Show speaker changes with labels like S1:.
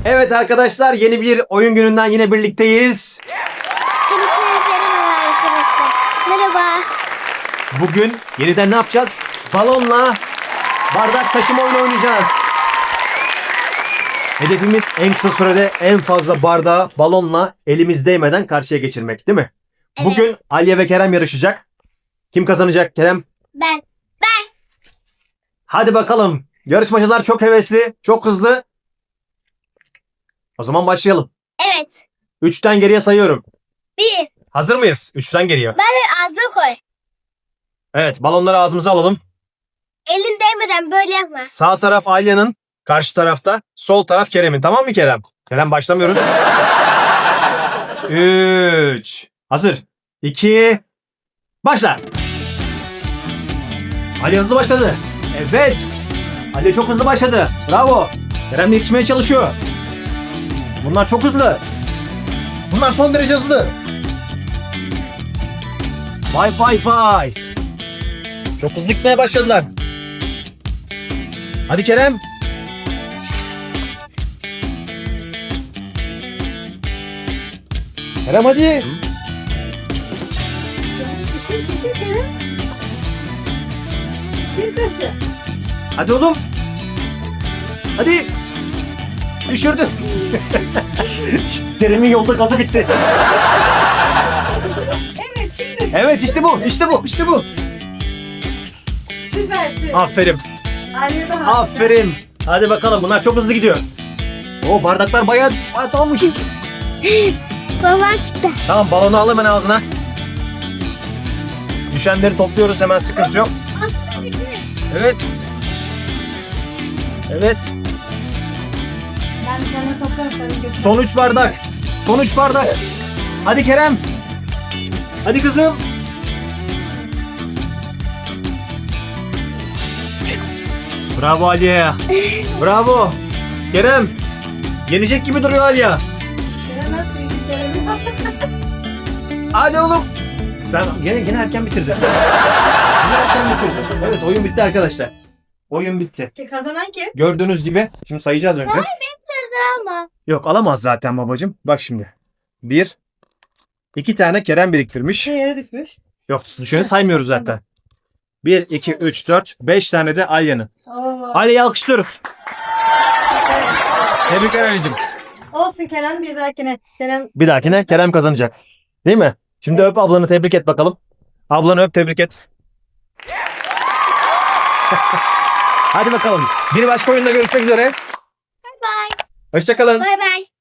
S1: Evet arkadaşlar, yeni bir oyun gününden yine birlikteyiz.
S2: Merhaba arkadaşlar. Merhaba.
S1: Bugün yeniden ne yapacağız? Balonla bardak taşıma oyunu oynayacağız. Hedefimiz en kısa sürede en fazla bardağı balonla elimiz değmeden karşıya geçirmek, değil mi?
S2: Evet.
S1: Bugün Aliye ve Kerem yarışacak. Kim kazanacak Kerem?
S2: Ben.
S1: Hadi bakalım. Yarışmacılar çok hevesli, çok hızlı. O zaman başlayalım.
S2: Evet.
S1: 3'ten geriye sayıyorum.
S2: 1.
S1: Hazır mıyız? 3'ten geriye.
S2: Ağzına koy.
S1: Evet, balonları ağzımıza alalım.
S2: Elin değmeden böyle yapma.
S1: Sağ taraf Alya'nın, karşı tarafta. Sol taraf Kerem'in. Tamam mı Kerem? Kerem başlamıyoruz. 3. Hazır. 2. Başla. Ali hızlı başladı. Evet. Ali çok hızlı başladı. Bravo. Kerem de yetişmeye çalışıyor. Bunlar çok hızlı. Bunlar son derece hızlı. Vay vay vay. Çok hızlı gitmeye başladılar. Hadi Kerem. Kerem hadi. Hadi oğlum. Hadi. Düşürdün. Kerem'in yolda gazı bitti.
S3: Evet şimdi
S1: Evet işte bu. İşte bu. İşte bu.
S3: süpersin.
S1: Aferin.
S3: Aliye de harika.
S1: Aferin. Hadi bakalım, bunlar çok hızlı gidiyor. O bardaklar bayağı salmış.
S2: Babam çıktı.
S1: Tamam, balonu al hemen ağzına. Düşenleri topluyoruz hemen, sıkıntı yok. Evet. Evet.
S3: Ben sana toplarım sana götürürüm.
S1: Son 3 bardak. Son 3 bardak. Hadi Kerem. Hadi kızım. Bravo Aliye. Bravo. Kerem. Yenecek gibi duruyor Aliye.
S3: Gelemezsin, gelemezsin.
S1: Hadi oğlum. Sen gene erken bitirdin. Yine erken bitirdin. Evet, oyun bitti arkadaşlar. Oyun bitti.
S3: Kazanan kim?
S1: Gördüğünüz gibi şimdi sayacağız önce.
S2: Ama.
S1: Yok, alamaz zaten babacığım. Bak şimdi. 1 2 tane Kerem biriktirmiş.
S3: Yere düşmüş.
S1: Yok, şöyle saymıyoruz zaten. 1 2 3 4 5 tane de Alya'nın.
S3: Oo.
S1: Alya'yı alkışlıyoruz. Tebrikler Ali'cim.
S3: Olsun Kerem, bir dahakine. Kerem
S1: Bir dahakine Kerem kazanacak. Değil mi? Şimdi öp ablanı, tebrik et bakalım. Ablanı öp, tebrik et. Hadi bakalım. Bir başka oyunda görüşmek üzere.
S2: Bye.
S1: Hoşça kalın.
S2: Bye bye.